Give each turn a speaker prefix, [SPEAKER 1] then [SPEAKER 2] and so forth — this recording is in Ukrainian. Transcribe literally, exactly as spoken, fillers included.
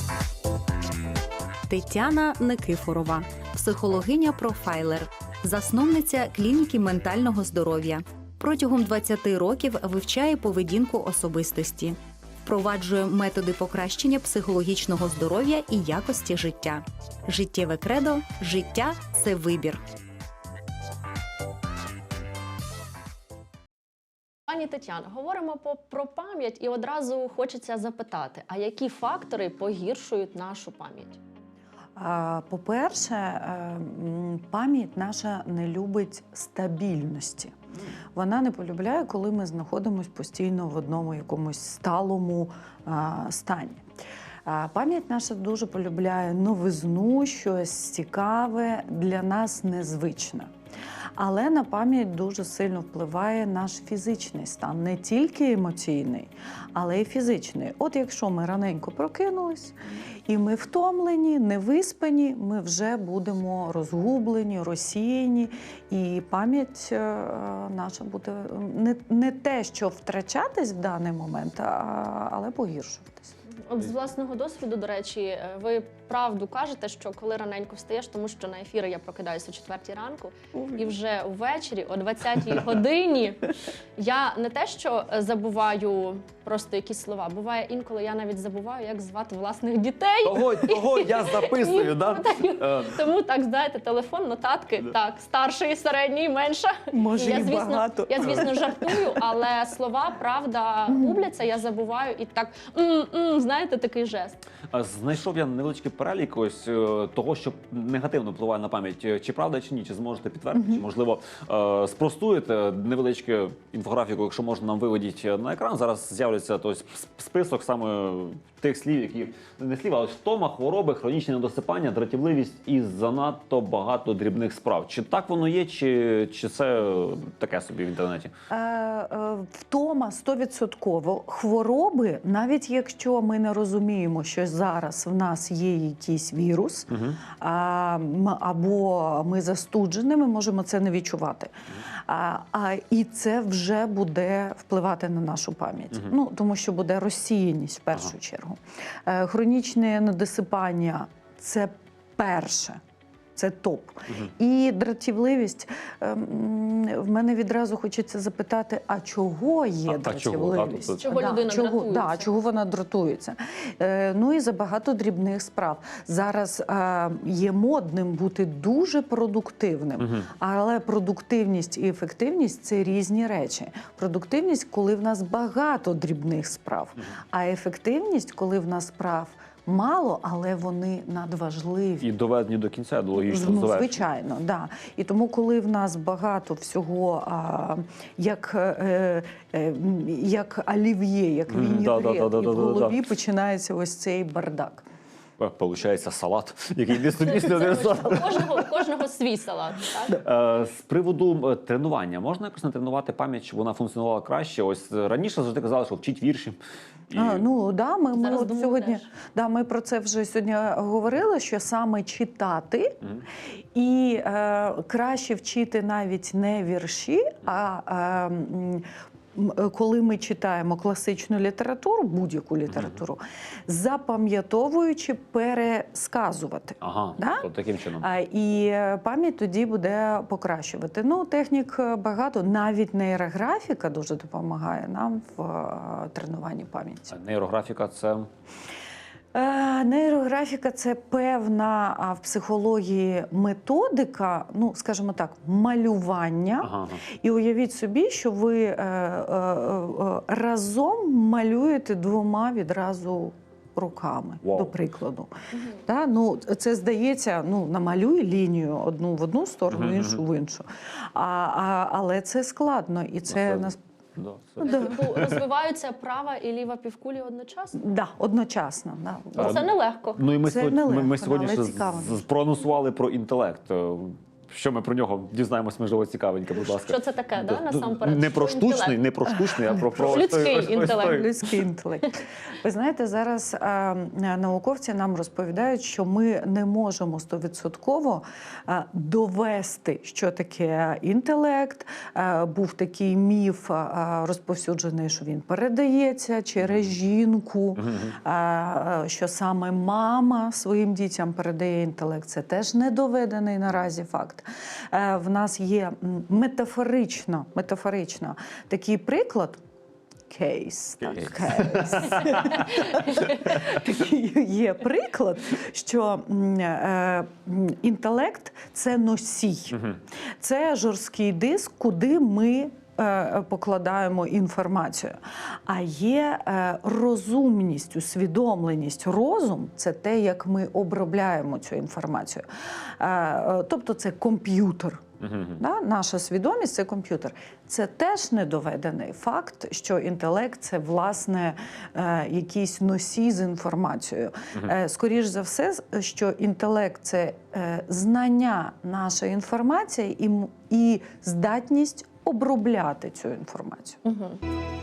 [SPEAKER 1] Тетяна Никифорова, психологиня-профайлер, засновниця клініки ментального здоров'я. Протягом двадцяти років вивчає поведінку особистості. Впроваджує методи покращення психологічного здоров'я і якості життя. Життєве кредо – життя – це вибір.
[SPEAKER 2] Пані Тетяно, говоримо про пам'ять і одразу хочеться запитати, а які фактори погіршують нашу пам'ять?
[SPEAKER 3] По-перше, пам'ять наша не любить стабільності. Вона не полюбляє, коли ми знаходимося постійно в одному якомусь сталому стані. Пам'ять наша дуже полюбляє новизну, щось цікаве, для нас незвичне. Але на пам'ять дуже сильно впливає наш фізичний стан, не тільки емоційний, але й фізичний. От якщо ми раненько прокинулись, і ми втомлені, невиспані, ми вже будемо розгублені, розсіяні, і пам'ять наша буде не, не те, що втрачатись в даний момент, а, але погіршуватись.
[SPEAKER 2] От з власного досвіду, до речі, ви правду кажете, що коли раненько встаєш, тому що на ефіри я прокидаюся о четвертій ранку, і вже ввечері, о двадцятій годині, я не те, що забуваю просто якісь слова, буває інколи я навіть забуваю, як звати власних дітей.
[SPEAKER 4] Того, того я записую, да?
[SPEAKER 2] Тому так, знаєте, телефон, нотатки, так, старший, середній, менша.
[SPEAKER 3] Може,
[SPEAKER 2] я,
[SPEAKER 3] і
[SPEAKER 2] звісно,
[SPEAKER 3] багато.
[SPEAKER 2] Я, звісно, жартую, але слова, правда, губляться, я забуваю і так, м-м, знаєте, такий жест.
[SPEAKER 4] Знайшов я невеличкий перелік ось того, що негативно впливає на пам'ять. Чи правда, чи ні? Чи зможете підтвердити? Mm-hmm. Чи, можливо, спростуєте невеличку інфографіку, якщо можна, нам виведіть на екран. Зараз з'являється тобто, список саме тих слів, які не слів, а ось втома, хвороби, хронічне недосипання, дратівливість і занадто багато дрібних справ. Чи так воно є, чи, чи це таке собі в інтернеті?
[SPEAKER 3] Е, е, втома стовідсотково. Хвороби, навіть якщо ми не розуміємо, що зараз в нас є якийсь вірус, угу. а, або ми застуджені, ми можемо це не відчувати. Угу. А, а, і це вже буде впливати на нашу пам'ять. Угу. Ну, тому що буде розсіяність в першу ага. чергу. Е, хронічне недосипання – це перше. Це топ. Угу. І дратівливість. В мене відразу хочеться запитати, а чого є
[SPEAKER 4] а,
[SPEAKER 3] дратівливість?
[SPEAKER 2] Чого, чого
[SPEAKER 3] да,
[SPEAKER 2] людина
[SPEAKER 3] чого,
[SPEAKER 2] дратується?
[SPEAKER 3] Да, чого вона дратується? Е, ну і забагато дрібних справ. Зараз е, є модним бути дуже продуктивним, угу. але продуктивність і ефективність – це різні речі. Продуктивність, коли в нас багато дрібних справ, угу. а ефективність, коли в нас справ мало, але вони надважливі.
[SPEAKER 4] І доведені до кінця, до логічного
[SPEAKER 3] ну,
[SPEAKER 4] завершення.
[SPEAKER 3] Звичайно, да. І тому, коли в нас багато всього, а, як, е, е, як олів'є, як
[SPEAKER 4] Mm,
[SPEAKER 3] вінігрет,
[SPEAKER 4] да, да, да, да,
[SPEAKER 3] і в голові
[SPEAKER 4] да, да.
[SPEAKER 3] починається ось цей бардак.
[SPEAKER 4] Получається салат, який дійсно дійсно
[SPEAKER 2] не кожного, кожного свій салат. Так?
[SPEAKER 4] З приводу тренування. Можна якось натренувати пам'ять, щоб вона функціонувала краще? Ось раніше завжди казали, що вчіть вірші.
[SPEAKER 3] І... А, ну, да, ми, ми, от сьогодні,
[SPEAKER 2] теж.
[SPEAKER 3] да, ми про це вже сьогодні говорили, що саме читати mm. і е, краще вчити навіть не вірші, mm. а е, коли ми читаємо класичну літературу, будь-яку літературу, mm-hmm. запам'ятовуючи, пересказувати.
[SPEAKER 4] Ага,
[SPEAKER 3] да?
[SPEAKER 4] то таким чином.
[SPEAKER 3] А, і пам'ять тоді буде покращувати. Ну, технік багато, навіть нейрографіка дуже допомагає нам в а, тренуванні пам'яті.
[SPEAKER 4] А нейрографіка – це…
[SPEAKER 3] Нейрографіка – це певна а, в психології методика, ну, скажімо так, малювання. Ага. І уявіть собі, що ви е, е, е, разом малюєте двома відразу руками, wow. до прикладу. Uh-huh. Да? Ну, це здається, ну, намалюй лінію одну в одну сторону, uh-huh. іншу в іншу. А, а, але це складно, і це
[SPEAKER 4] uh-huh.
[SPEAKER 3] нас.
[SPEAKER 4] Да,
[SPEAKER 3] да.
[SPEAKER 2] Розвиваються права і ліва півкулі одночасно?
[SPEAKER 3] Так, да, одночасно. Да.
[SPEAKER 2] Це нелегко.
[SPEAKER 4] Ну і ми
[SPEAKER 3] це
[SPEAKER 4] сьогодні,
[SPEAKER 3] нелегко,
[SPEAKER 4] ми, ми сьогодні
[SPEAKER 3] але цікаво.
[SPEAKER 4] проанонсували про інтелект. що ми про нього дізнаємось, можливо, цікавеньке, будь ласка.
[SPEAKER 2] Що це таке, да, насамперед?
[SPEAKER 4] Не про
[SPEAKER 2] Що
[SPEAKER 4] штучний,
[SPEAKER 2] інтелект?
[SPEAKER 4] не про штучний, а про, про ось
[SPEAKER 2] Людський
[SPEAKER 4] той- ось- ось
[SPEAKER 2] інтелект.
[SPEAKER 4] той.
[SPEAKER 3] Людський інтелект. Ви знаєте, зараз е, науковці нам розповідають, що ми не можемо стовідсотково е, довести, що таке інтелект. Е, був такий міф е, розповсюджений, що він передається через жінку, е, е, що саме мама своїм дітям передає інтелект. Це теж не доведений наразі факт. Е, в нас є м, метафорично, метафорично такий приклад. Кейс, так, кейс. Такий є приклад, що м, е, м, інтелект – це носій. Це жорсткий диск, куди ми е, покладаємо інформацію. А є е, розумність, усвідомленість, розум – це те, як ми обробляємо цю інформацію. Е, е, тобто це комп'ютер. Да? Наша свідомість – це комп'ютер. Це теж недоведений факт, що інтелект – це, власне, е, якийсь носій з інформацією. Е, скоріш за все, що інтелект – це е, знання нашої інформації і, м- і здатність обробляти цю інформацію.
[SPEAKER 2] Мгм.